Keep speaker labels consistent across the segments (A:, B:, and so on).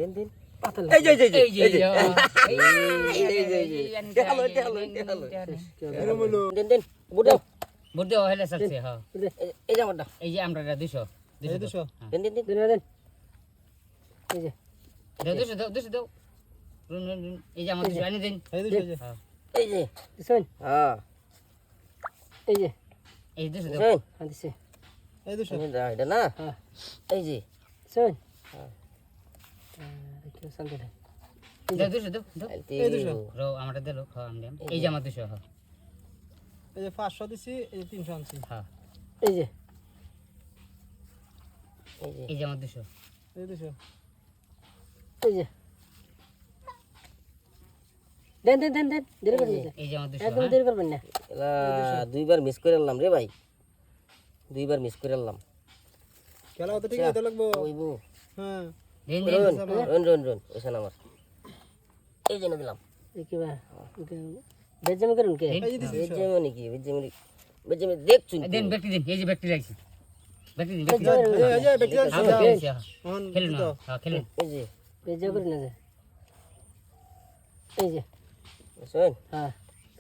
A: দিন
B: পাতা
A: এই যে দিন বুট দাও
C: ভোট দেওয়া হলে চলছে হ্যাঁ
A: এই যে আমারটা
C: এই যে আমরা 200 200
A: দিন
B: দেন এই যে
C: দাও 200 দাও এই যে আমার 200 আনি দিন
A: এই যে
B: দিছেন
A: হ্যাঁ
B: এই যে
C: এই 200 দাও
A: দিছেন
B: দিছে
A: এই এটা না
B: হ্যাঁ
A: এই যে
B: দিছেন
A: হ্যাঁ
B: দেখো শান্তি নাই
C: দাও 200 দাও
A: এই 200
C: রো আমারটা দিলো হ্যাঁ আমি এই যে আমার 200 হ্যাঁ
D: এই যে 500 দিছি এই যে 300 আনছি
C: হ্যাঁ
B: এই যে
C: এই যে আমার 200
D: এই 200
B: এই যে দেন দেরি করবেন না
C: এই যে আমার 200
B: একদম দেরি করবেন না
A: এলা দুইবার মিস করে আনলাম রে ভাই দুইবার মিস করে আনলাম
D: খেলা তো ঠিক আছে লাগবো
A: ওইবো
D: হ্যাঁ
C: দিন
A: রন ওইখানে আমার এই যে দিলাম
B: এই কি বা বেজম করুন কে
D: এই যে দিছি
A: বেজেমনি কি বেজেমনি দেখছুন
C: দিন ব্যক্তি দিন এই যে ব্যক্তি রাখছি ব্যক্তি দিন ব্যক্তি
D: এই যে বেটি আছে
C: হ্যাঁ খেলুন হ্যাঁ খেলুন
A: এই যে
B: বেজম করুন না যে এই যে
A: শুন
B: হ্যাঁ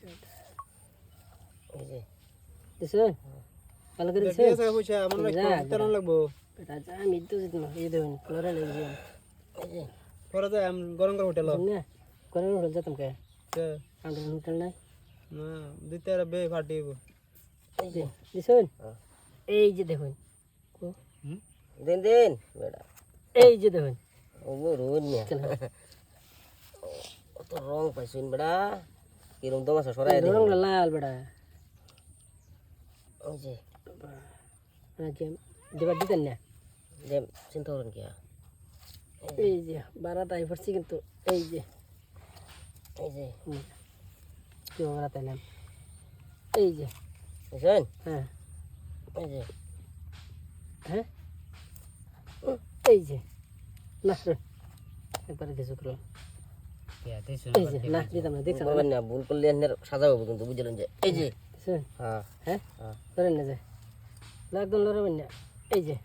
A: এই যে
B: দিছেন ভালো করে
D: বেটি
B: দিছেন
D: আছে কইছে আমার লাগবো লাগবো
B: এটা যা আমি তো জিতনা এই দেখুন ফ্লোরা লাগবে
A: এই যে
D: পরে যাই গরম করে হোটেল
B: না কোন হোটেল যেতাম কে আমাদের হোটেল নাই
D: না দিতে আর বে ফাটিব
A: এই যে
B: দিছেন
A: হ্যাঁ।
B: এই যে দেখুন
A: দিন বেটা
B: এই যে দেখুন
A: ওগো রোজ নিয়া অত রং পাইছুন বেটা কিরম তোমার সরাই দে
B: রং লাল বড়া
A: ওই যে
B: আজকে দেবার দিতেন না
A: দেম চিন্তা করেন কি
B: এই যে 12টাই পড়ছি কিন্তু এই যে কি বারাতে নাম এই যে
A: বুঝছেন
B: হ্যাঁ
A: এই যে
B: হ্যাঁ এই যে না একবারে কিছু করলাম এই যে না দিতাম না দেখছেন
A: বলবেন না ভুল করলে এর সাজা হবে কিন্তু বুঝলেন যে এই যে
B: দেখছেন
A: হ্যাঁ
B: হ্যাঁ
A: হ্যাঁ
B: ধরেন না যে একদম লড়াবেন না এই যে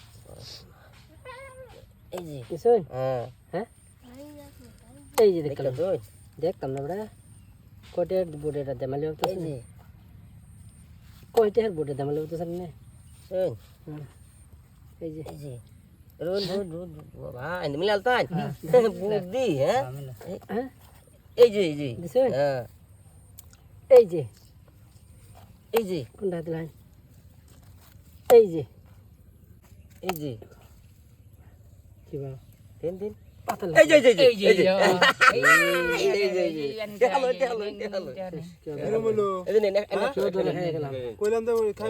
A: এই যে
B: দেখছেন
A: হ্যাঁ
B: হ্যাঁ এই যে
A: দেখলাম
B: দেখলাম
A: তুই
B: দেখতাম না বড়া কোটের বোর্ডেটা দেমালি
A: এই
B: হতো
A: যে
B: কোটের বোর্ডে দেমালি হতো স্যার না
A: শুন
B: এই যে
A: এই যে রোন বাবা এনে মিলাল তাই বুদ্ধি হ্যাঁ
B: হ্যাঁ
A: এই যে
B: দেখছেন
A: হ্যাঁ
B: এই যে
A: এই যে
B: কোনটা দিলেন এই যে কি বা
A: দিন
B: পাতা
A: এই যে
C: এই যে
A: এই যে
D: এরম হলো
A: এই যে
B: কেউ ধরে হয়ে গেলাম
D: কইলাম তো